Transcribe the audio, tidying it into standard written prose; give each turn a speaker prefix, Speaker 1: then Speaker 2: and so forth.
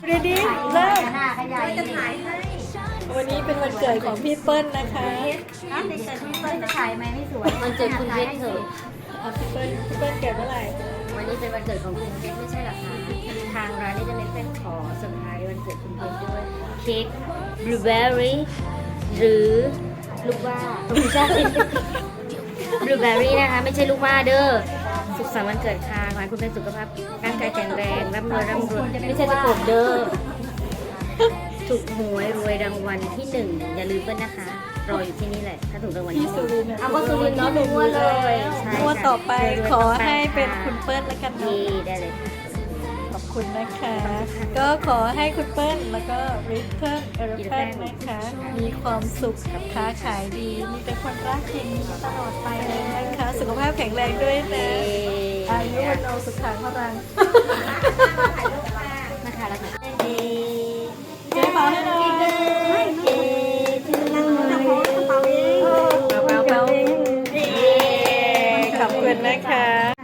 Speaker 1: ดีดีเริ่ม
Speaker 2: จะถ่ายให้
Speaker 1: วันนี้เป็นวันเกิดของพี่เปิ้ลนะคะ
Speaker 2: ในเกิดพี่เปิ้ลจะถ่ายไหมไม่สวยมันเกิดคุณเพชรเถอะ
Speaker 1: พี่เปิ้ลเกิดเมื่อไหร่
Speaker 2: วันนี้เป็นวันเกิดของคุณเพชรไม่ใช่หรอคะทางร้านได้จะเล่นขอเซอร์ไพรส์วันเกิดคุณเพชรด้วยเค้กบลูเบอร์รี่หรือลูกว่าไม่ใช่บลูเบอร์รี่นะคะไม่ใช่ลูกว่าเด้อสุขสันต์วันเกิดค่ะขอให้คุณเป็นสุขภาพร่างกายแข็งแรงร่ำรวยไม่ใช่ตะกบเด้อถูกหวยรวยรางวัลที่หนึ่งอย่าลืมเปิ้ลนะคะรออยู่ที่นี่แหละถ้าถูกรางวัล
Speaker 1: พี่
Speaker 2: ที่ห
Speaker 1: สุ
Speaker 2: นึ่ง
Speaker 1: รินทร์
Speaker 2: เอาก็สุรินทร์เนาะดูมั่วเลยใช่
Speaker 1: มั่ว
Speaker 2: ค่ะ
Speaker 1: ต่อไป
Speaker 2: รวยๆ
Speaker 1: ขอ
Speaker 2: ต่ไป
Speaker 1: ให้เป็น
Speaker 2: ะ
Speaker 1: คุณเปิ้ลแล้วกัน
Speaker 2: ดี
Speaker 1: เนาะ
Speaker 2: ได้เลยค่ะ
Speaker 1: ขอบคุณนะคะ ก็ขอให้คุณเปิ้ลแล้วก็ริทเทิลเอรแพนนะคะ มีความสุขกับค้าขายดี มีแต่คนรักอย่างนี้ตลอดไปเลยนะคะ สุขภาพแข็งแรงด้วยนะอายุวันโนสุขังพลัง
Speaker 2: นะคะแล้วค่ะ
Speaker 1: เจ๊เป่าให้หน่อยเป่าขอบคุณนะคะ